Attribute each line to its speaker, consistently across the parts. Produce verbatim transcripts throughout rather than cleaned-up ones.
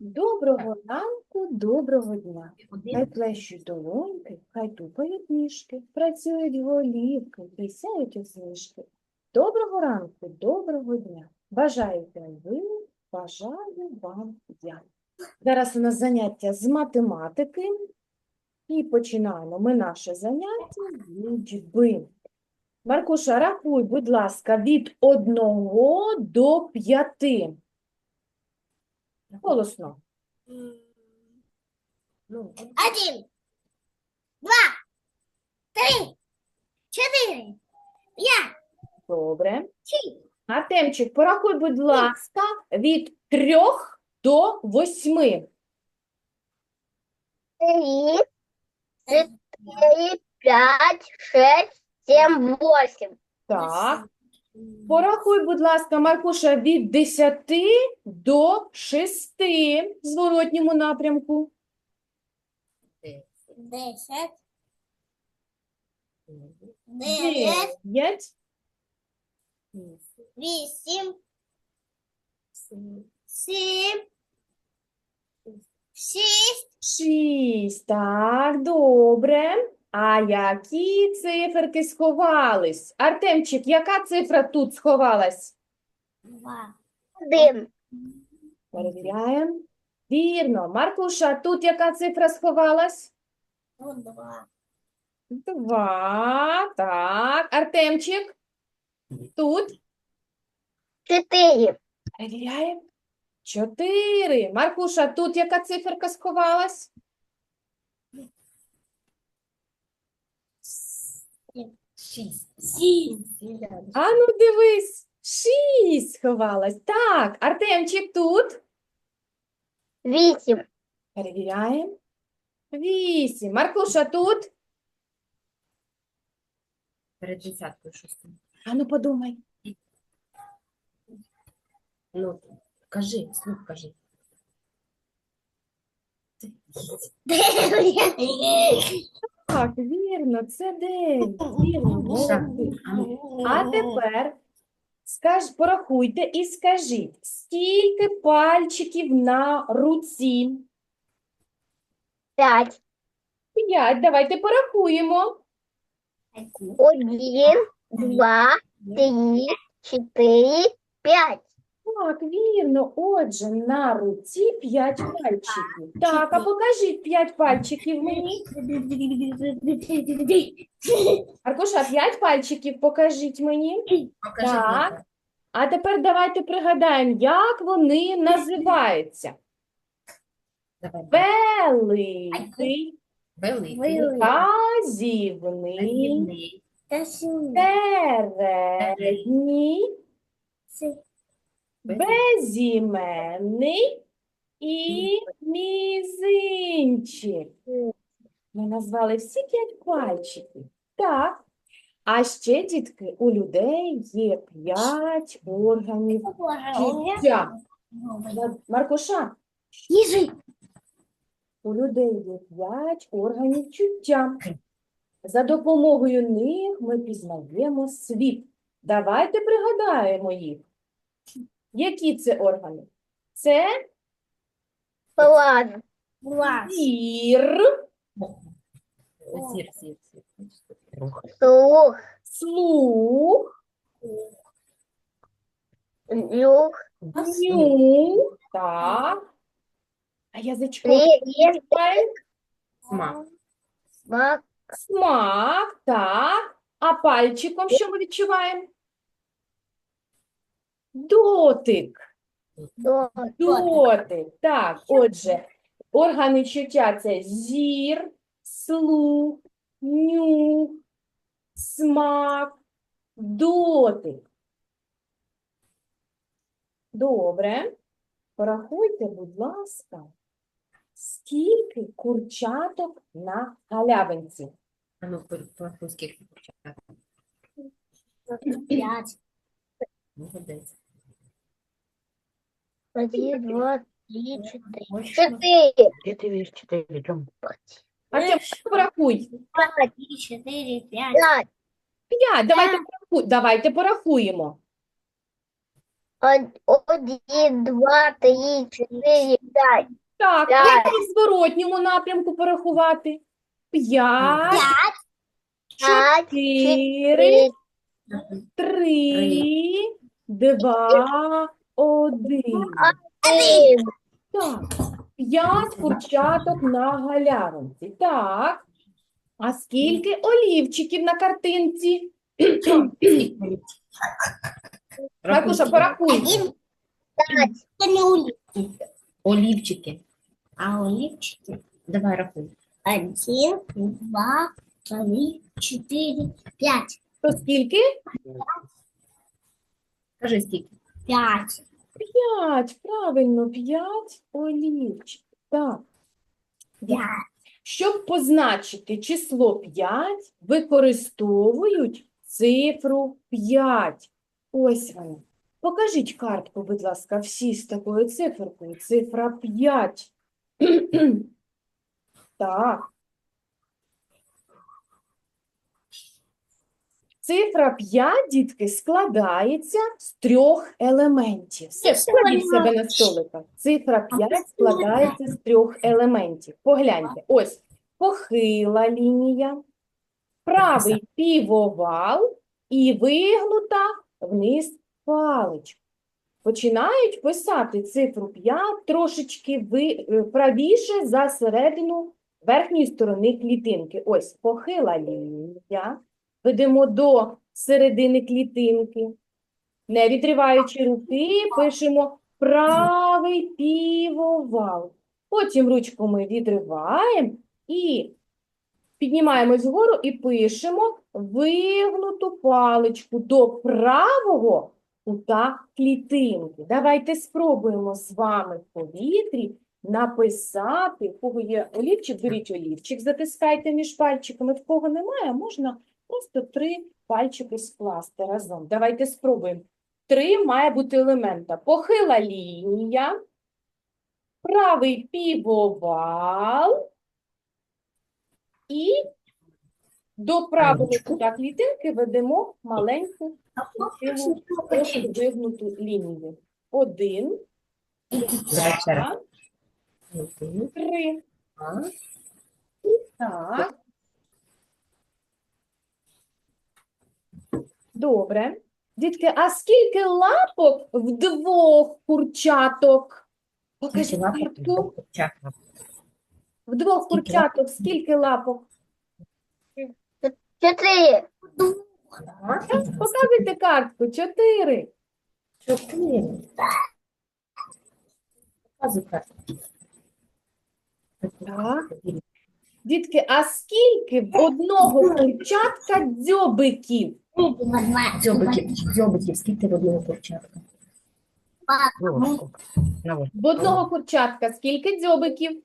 Speaker 1: Доброго ранку, доброго дня. Хай плещуть долоньки, хай тупають ніжки, працюють голівки, пісяють усмішки. Доброго ранку, доброго дня. Бажаєте ви, бажаю вам я. Зараз у нас заняття з математики. І починаємо ми наше заняття з лічби. Маркуша, рахуй, будь ласка, від одного до п'яти. Голосно.
Speaker 2: Ну, Один, два, три, четыре, пять,
Speaker 1: Добре.
Speaker 2: шесть,
Speaker 1: Артемчик, порахуй, будь ласка, від трьох до восьми.
Speaker 3: Три, четыре, пять, шесть, семь, восемь.
Speaker 1: Так. Порахуй, будь ласка, Маркуша, від десяти до шести в зворотньому напрямку.
Speaker 2: десять, девять,
Speaker 1: Дев'ять.
Speaker 2: восемь, семь, шесть,
Speaker 1: Шість. Так, добре. А які циферки сховались? Артемчик, яка цифра тут сховалась?
Speaker 2: два,
Speaker 3: Один,
Speaker 1: Перевіряємо. Вірно. Маркуша, тут яка цифра сховалась?
Speaker 2: два,
Speaker 1: Два. Так. Артемчик, тут.
Speaker 3: четыре,
Speaker 1: Перевіряємо. Чотири. Маркуша, тут яка циферка сховалась?
Speaker 2: шесть, семь,
Speaker 1: А ну дивись. Шість сховалась. Так. Артемчик, тут.
Speaker 3: восемь,
Speaker 1: Перевіряємо. Вісім. Маркуша, тут.
Speaker 4: Перед десяткою шостим.
Speaker 1: А ну подумай.
Speaker 4: Ну, кажи, слух кажи.
Speaker 1: Так, вірно, це дев'ять. Вірно, молодці. А тепер скаж, порахуйте і скажіть, скільки пальчиків на руці?
Speaker 3: пять,
Speaker 1: П'ять. Давайте порахуємо.
Speaker 3: один, два, три, четыре, пять.
Speaker 1: Так, вірно. Отже, на руці п'ять пальчиків. Так, а покажіть п'ять пальчиків мені. Аркуша, п'ять пальчиків покажіть мені.
Speaker 4: Покажи.
Speaker 1: Так.
Speaker 4: Віка.
Speaker 1: А тепер давайте пригадаємо, як вони називаються.
Speaker 4: Давай.
Speaker 1: Великий,
Speaker 4: Великий.
Speaker 1: вказівний,
Speaker 4: Казівний.
Speaker 1: середній, безіменний і мізинчик. Ми назвали всі п'ять пальчиків. Так. А ще, дітки, у людей є п'ять органів чуття. Маркуша,
Speaker 2: Ниже.
Speaker 1: у людей є п'ять органів чуття. За допомогою них ми пізнаємо світ. Давайте пригадаємо їх. Які це органи? Це
Speaker 3: Ладно,
Speaker 2: Глаз.
Speaker 1: зір,
Speaker 4: Зір, зір, зір.
Speaker 3: слух,
Speaker 1: слух,
Speaker 3: нюх,
Speaker 1: нюх, так. А язичком
Speaker 3: рез,
Speaker 1: відчуваємо?
Speaker 4: Смак.
Speaker 3: смак,
Speaker 1: Смак, так. А пальчиком що ми відчуваємо? Дотик.
Speaker 3: до,
Speaker 1: Дотик. Так, отже, органи чуття – це зір, слух, нюх, смак, дотик. Добре. Порахуйте, будь ласка, скільки курчаток на галявинці?
Speaker 4: А ну, порахуй, скільки почати.
Speaker 2: Пять.
Speaker 4: Молодець.
Speaker 3: один, два, три, четыре.
Speaker 4: Точно.
Speaker 3: Четыре,
Speaker 5: Где ты видишь четыре? Идем.
Speaker 1: Артем, порахуй.
Speaker 2: Два, три, четыре, пять.
Speaker 3: пять,
Speaker 1: П'ять. Давайте, порахуй- давайте порахуємо.
Speaker 3: Од- Один, два, три, чотири, п'ять.
Speaker 1: Так,
Speaker 3: П'ять.
Speaker 1: як і в зворотньому напрямку порахувати? П'ять,
Speaker 3: П'ять,
Speaker 1: чотири,
Speaker 3: чотири,
Speaker 1: три, два, один.
Speaker 3: один.
Speaker 1: Так, п'ять курчаток на галявинці. Так, а скільки олівчиків на картинці? Маркуша, порахуй.
Speaker 2: Один.
Speaker 3: П'ять.
Speaker 2: Это не улик,
Speaker 4: Олівчики.
Speaker 2: а улипчики.
Speaker 4: Давай рахуй.
Speaker 2: Один, два, три, четыре, пять.
Speaker 1: То скільки?
Speaker 4: Кажи скільки.
Speaker 2: Пять.
Speaker 1: П'ять, правильно, п'ять олівчиків. Так.
Speaker 2: Пять.
Speaker 1: Щоб позначити число п'ять, використовують цифру п'ять. Ось вона. Покажіть картку, будь ласка, всі з такою циферкою. Цифра п'ять. Так. Цифра п'ять, дітки, складається з трьох елементів. Складіть в себе на столиках. Цифра п'ять складається з трьох елементів. Погляньте. Ось похила лінія, правий півовал і вигнута вниз паличка. Починають писати цифру п'ять трошечки ви- е, правіше за середину верхньої сторони клітинки. Ось похила лінія. Ведемо до середини клітинки. Не відриваючи руки, пишемо правий півовал. Потім ручку ми відриваємо і піднімаємось вгору і пишемо вигнуту паличку до правого кута клітинки. Давайте спробуємо з вами в повітрі написати, в кого є олівчик, беріть олівчик, затискайте між пальчиками, в кого немає, можна просто три пальчики скласти разом. Давайте спробуємо. Три має бути елемента. Похила лінія, правий півовал і до правого кута клітинки ведемо маленьку красиву трошки вигнуту лінію. Один,
Speaker 4: Давай ще раз.
Speaker 1: два,
Speaker 4: Один,
Speaker 1: три.
Speaker 4: два.
Speaker 1: Так. Добре. Дітки, а скільки лапок в двох курчаток? Покажіть
Speaker 4: Скільки лапок
Speaker 1: картку.
Speaker 4: двох курчаток?
Speaker 1: В двох
Speaker 4: Скільки
Speaker 1: курчаток скільки лапок?
Speaker 3: Чотири.
Speaker 4: Так,
Speaker 1: Показуйте картку. Чотири.
Speaker 4: чотири. Показуй карту.
Speaker 1: Так. Дітки, а скільки в одного курчатка дзьобиків?
Speaker 2: Два.
Speaker 4: Дзьобиків, дзьобиків, скільки в одного курчатка?
Speaker 1: В одного курчатка скільки дзьобиків?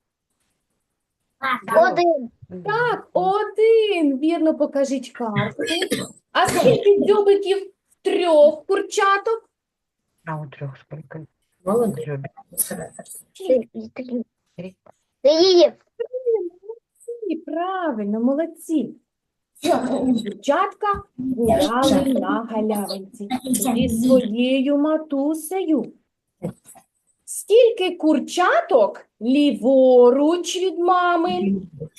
Speaker 3: Один.
Speaker 1: Так, один. Вірно, покажіть картку. А скільки дзьобиків в трьох курчаток?
Speaker 5: А у трех сколько?
Speaker 4: Молодець.
Speaker 5: Дзьобик?
Speaker 3: Три. Три.
Speaker 5: Три.
Speaker 3: Три.
Speaker 1: Молодці, правильно, молодці. Дівчатка гуляли на галявинці зі своєю матусею. Скільки курчаток ліворуч від мами?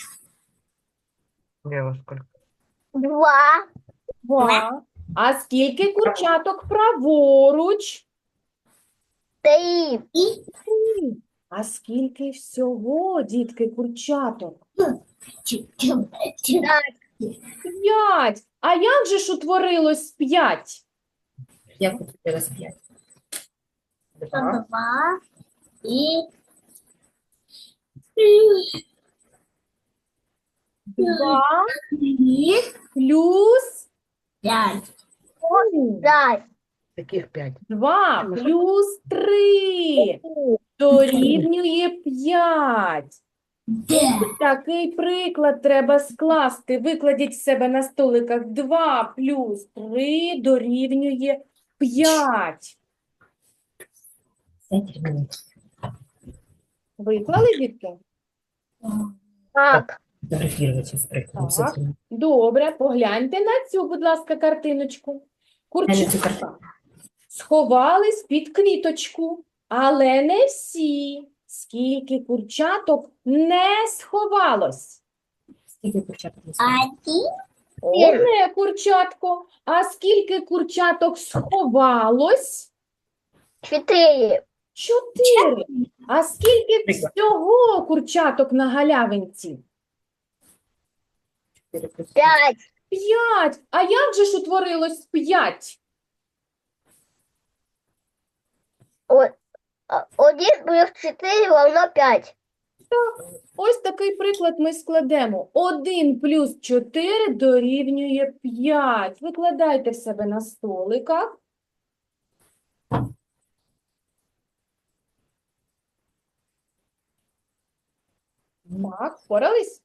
Speaker 5: Лево сколько?
Speaker 3: Два.
Speaker 1: Два. А скільки курчаток праворуч?
Speaker 3: Три.
Speaker 1: Три. А скільки всього, дітки, курчаток? П'ять. А як же ж утворилось п'ять?
Speaker 4: Як у тебе раз п'ять? Два.
Speaker 2: Два. И
Speaker 1: Два
Speaker 2: три.
Speaker 1: плюс
Speaker 2: Пять.
Speaker 1: три.
Speaker 3: Пять.
Speaker 5: Таких пять.
Speaker 1: Два плюс три дорівнює п'ять. Такий приклад треба скласти. Викладіть в себе на столиках. Два плюс три дорівнює п'ять.
Speaker 4: Все, термінуй.
Speaker 1: Виклали, дітки?
Speaker 3: Так.
Speaker 4: Фотографувати з прикладом.
Speaker 1: Так.
Speaker 4: Все,
Speaker 1: Добре, погляньте на цю, будь ласка, картиночку.
Speaker 4: на цю
Speaker 1: Курчатка
Speaker 4: картинку.
Speaker 1: сховались під квіточку, але не всі. Скільки курчаток не сховалось?
Speaker 4: Скільки курчаток не спали?
Speaker 2: Один.
Speaker 1: Одне курчатко. А скільки курчаток сховалось?
Speaker 3: Чотири.
Speaker 1: Чотири. А скільки
Speaker 4: Приклад.
Speaker 1: всього курчаток на галявинці?
Speaker 4: Чотири плюс
Speaker 3: П'ять.
Speaker 1: П'ять. А як же ж утворилось п'ять?
Speaker 3: О- а, Один плюс чотири равно п'ять.
Speaker 1: Ось такий приклад ми складемо. один плюс чотири дорівнює п'ять. Викладайте в себе на столиках. Так, впорались?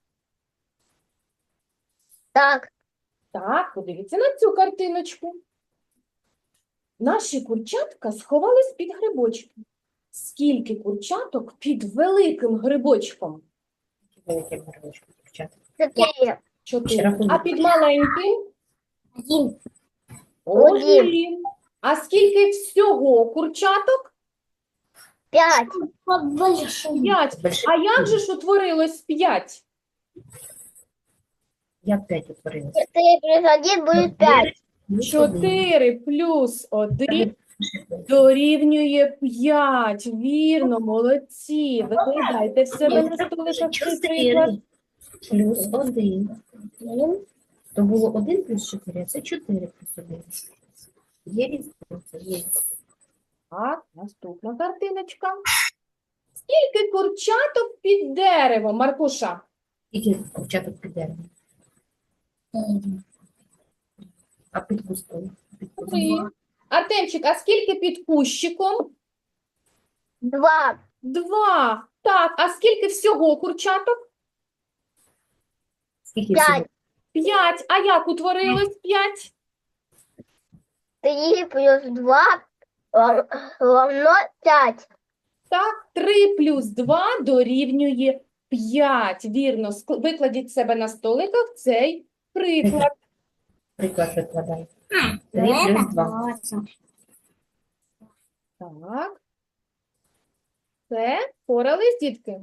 Speaker 3: Так.
Speaker 1: Так, подивіться на цю картиночку. Наші курчатка сховались під грибочки. Скільки курчаток під великим грибочком?
Speaker 4: великі горлочки курчаток.
Speaker 3: Чотири.
Speaker 1: Чотири.
Speaker 4: рахунок.
Speaker 1: А під маленьким?
Speaker 2: Один.
Speaker 3: Один.
Speaker 1: Один. А скільки всього курчаток?
Speaker 3: П'ять.
Speaker 2: Побольше.
Speaker 1: П'ять.
Speaker 4: Більше.
Speaker 1: А як же ж утворилось п'ять?
Speaker 4: Як п'ять утворилось?
Speaker 3: Чотири плюс один буде п'ять.
Speaker 4: Плюс один.
Speaker 1: Чотири плюс один дорівнює п'ять. Вірно, молодці. Викладайте в себе на столиках цей приклад.
Speaker 4: Чотири плюс один. То було один плюс чотири, а це чотири плюс один. Є різниця? Є.
Speaker 1: Так, наступна картиночка. Скільки курчаток під деревом, Маркуша?
Speaker 4: Скільки курчаток під деревом? А під кустом? Під кустом?
Speaker 1: Три. Артемчик, а скільки під кущиком?
Speaker 3: Два.
Speaker 1: Два. Так, а скільки всього курчаток?
Speaker 4: Скільки
Speaker 3: П'ять.
Speaker 4: всього?
Speaker 1: П'ять. А як утворилось п'ять?
Speaker 3: Три плюс два рав- равно п'ять.
Speaker 1: Так, три плюс два дорівнює п'ять. Вірно, Ск- викладіть в себе на столиках цей приклад.
Speaker 4: Приклад викладай. Три плюс два.
Speaker 1: Так. Все, впорались, дітки?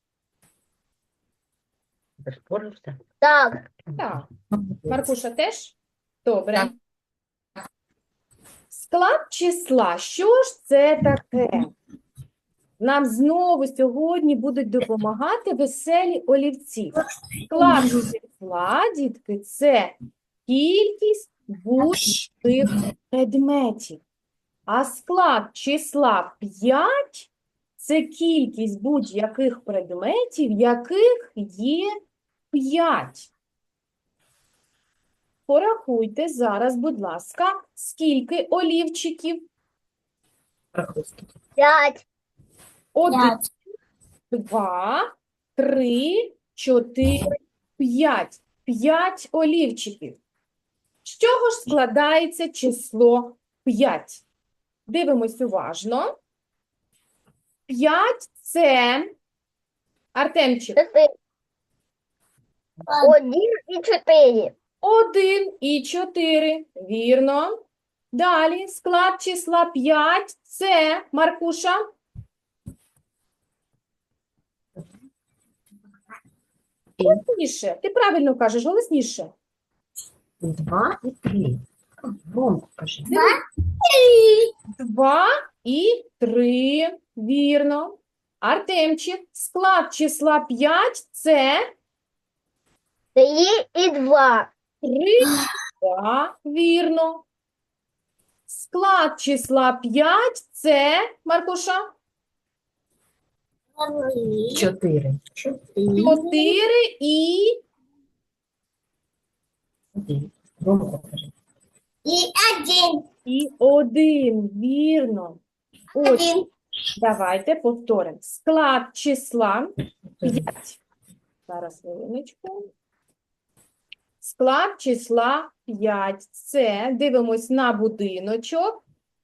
Speaker 5: Спорився?
Speaker 3: Так.
Speaker 1: Так. Маркуша теж? Добре. Склад числа. Що ж це таке? Нам знову сьогодні будуть допомагати веселі олівці. Склад числа, дітки, це кількість будь-яких предметів. А склад числа п'ять – це кількість будь-яких предметів, яких є п'ять. Порахуйте зараз, будь ласка, скільки олівчиків?
Speaker 4: Рахуй скільки.
Speaker 3: П'ять.
Speaker 1: Один,
Speaker 2: П'ять.
Speaker 1: два, три, чотири, п'ять. П'ять олівчиків. З чого ж складається число п'ять? Дивимось уважно. П'ять – це, Артемчик,
Speaker 3: Чотири. Один і чотири.
Speaker 1: один і чотири. Вірно. Далі склад числа п'ять – це, Маркуша, голосніше. Ти правильно кажеш, голосніше.
Speaker 4: Два і три. Громко кажи.
Speaker 1: Два і три. Вірно. Артемчик, склад числа п'ять – це
Speaker 3: Три і два.
Speaker 1: три, два. Вірно. Склад числа п'ять – це, Маркуша,
Speaker 4: Чотири.
Speaker 1: чотири і
Speaker 4: Один. Громко кажи.
Speaker 2: И один.
Speaker 1: І один, вірно. Ось,
Speaker 2: Один.
Speaker 1: давайте повторимо. Склад числа п'ять. Зараз хвилиночку. Склад числа п'ять. Це, дивимось на будиночок.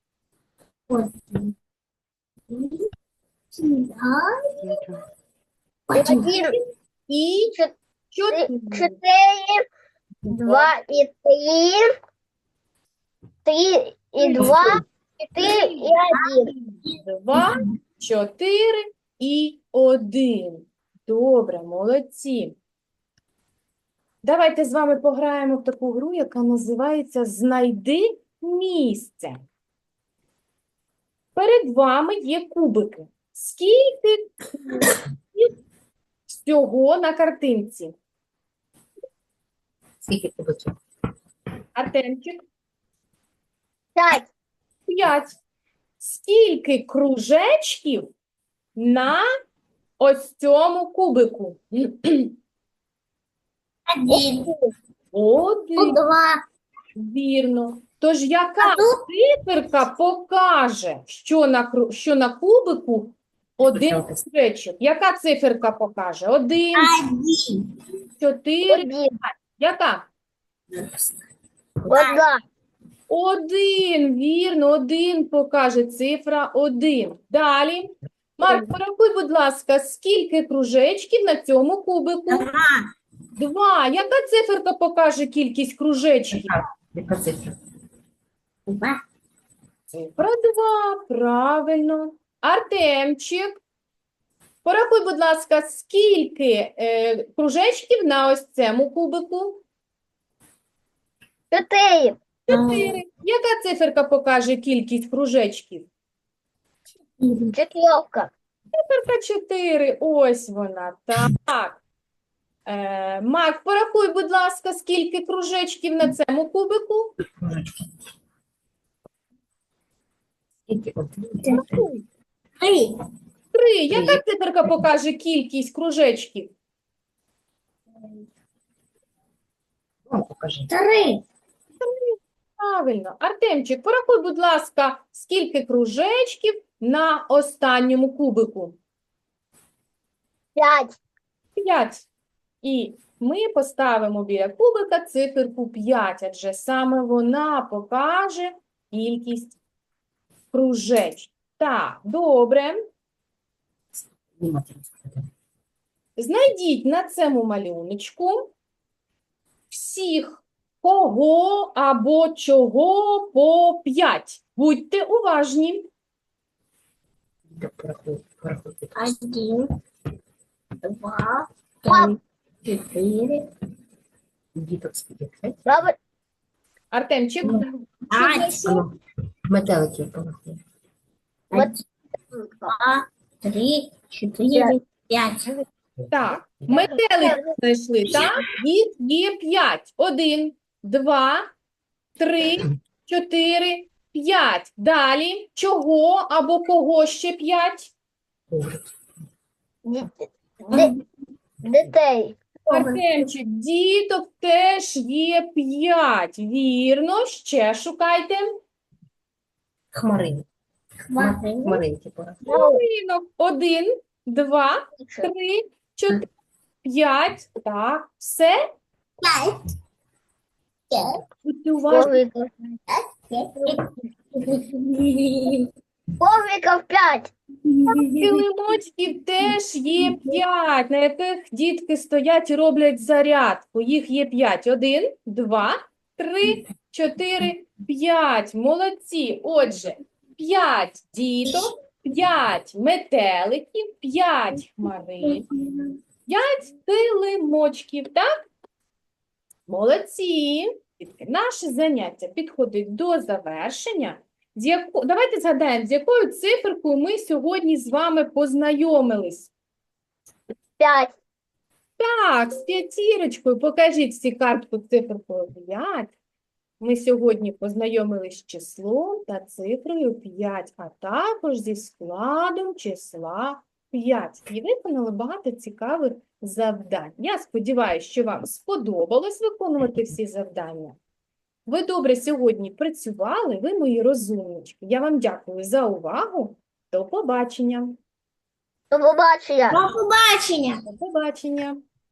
Speaker 3: Один
Speaker 1: І
Speaker 3: Чот-
Speaker 1: чотири.
Speaker 3: чотири. Два і три. Три і два. Четыре и один.
Speaker 1: Два, чотири і один. Добре, молодці. Давайте з вами пограємо в таку гру, яка називається «Знайди місце». Перед вами є кубики. Скільки кубиків всього на картинці?
Speaker 4: Скільки кубиків?
Speaker 1: Артемчик?
Speaker 3: Пять.
Speaker 1: П'ять. Скільки кружечків на ось цьому кубику?
Speaker 2: Один.
Speaker 1: Один.
Speaker 2: Два.
Speaker 1: Вірно. Тож яка циферка покаже, що на, кру- що на кубику один
Speaker 4: Почалося.
Speaker 1: кружечок? Яка циферка покаже? Один,
Speaker 2: Один.
Speaker 1: чотири.
Speaker 3: Один.
Speaker 1: Яка?
Speaker 3: Одна.
Speaker 1: Один, вірно, один покаже цифра один. Далі. Марк, порахуй, будь ласка, скільки кружечків на цьому кубику?
Speaker 2: Два.
Speaker 1: Два. Яка циферка покаже кількість кружечків?
Speaker 4: Яка цифра?
Speaker 2: Два.
Speaker 1: Цифра два, правильно. Артемчик, порахуй, будь ласка, скільки е, кружечків на ось цьому кубику?
Speaker 3: Четыре.
Speaker 1: Чотири. Яка циферка покаже кількість кружечків?
Speaker 3: Четверка.
Speaker 1: Циферка чотири. Ось вона. Так. Е, Мак, порахуй, будь ласка, скільки кружечків на цьому кубику?
Speaker 4: Кружечки. Скільки? Один.
Speaker 2: Три.
Speaker 1: Три. Яка циферка покаже кількість кружечків?
Speaker 4: Ну, покажи.
Speaker 2: Три.
Speaker 1: Правильно. Артемчик, порахуй, будь ласка, скільки кружечків на останньому кубику?
Speaker 3: Пять.
Speaker 1: П'ять. І ми поставимо біля кубика циферку п'ять, адже саме вона покаже кількість кружечків. Так, добре.
Speaker 4: Внимательно сказати.
Speaker 1: Знайдіть на цьому малюночку всіх, кого або чого по п'ять. Будьте уважні.
Speaker 4: Діток, порахуй, порахуй.
Speaker 2: Один. Два.
Speaker 3: Пап.
Speaker 2: Три. Четыре.
Speaker 4: Діток скільки? П'ять?
Speaker 3: Право.
Speaker 1: Артемчик,
Speaker 2: Пять.
Speaker 4: Ану, метеликів порахуй.
Speaker 3: Вот.
Speaker 2: Два. Три. Четыре. Пять.
Speaker 1: так, метелики знайшли, так? Їх є п'ять. Один, два, три, чотири, п'ять. Далі, чого або кого ще п'ять?
Speaker 4: Коврик.
Speaker 3: Ди- ди- Детей.
Speaker 1: Артемчик, діток теж є п'ять. Вірно, ще шукайте.
Speaker 4: Хмарин.
Speaker 2: Хватит.
Speaker 4: Хмаринки порахуй.
Speaker 1: Малинок. Один, два, три, чотири, п'ять. Так, все.
Speaker 2: Пять. Пять.
Speaker 1: Будьте уважні.
Speaker 3: Ковриков. Ковриков пять.
Speaker 1: Килимочків теж є п'ять, на яких дітки стоять і роблять зарядку. Їх є п'ять. Один, два, три, чотири, п'ять. Молодці. Отже, п'ять діток, п'ять метеликів, п'ять хмарин, п'ять килимочків. Так? Молодці. Дітки, наше заняття підходить до завершення. З яко... Давайте згадаємо, з якою циферкою ми сьогодні з вами познайомились.
Speaker 3: Пять.
Speaker 1: Так, з п'ятірочкою. Покажіть всі картку циферкою п'ять. Ми сьогодні познайомились з числом та цифрою п'ять, а також зі складом числа п'ять. І виконали багато цікавих завдань. Я сподіваюся, що вам сподобалось виконувати всі завдання. Ви добре сьогодні працювали, ви мої розумнички. Я вам дякую за увагу. До побачення.
Speaker 3: До побачення.
Speaker 2: До побачення.
Speaker 1: До побачення.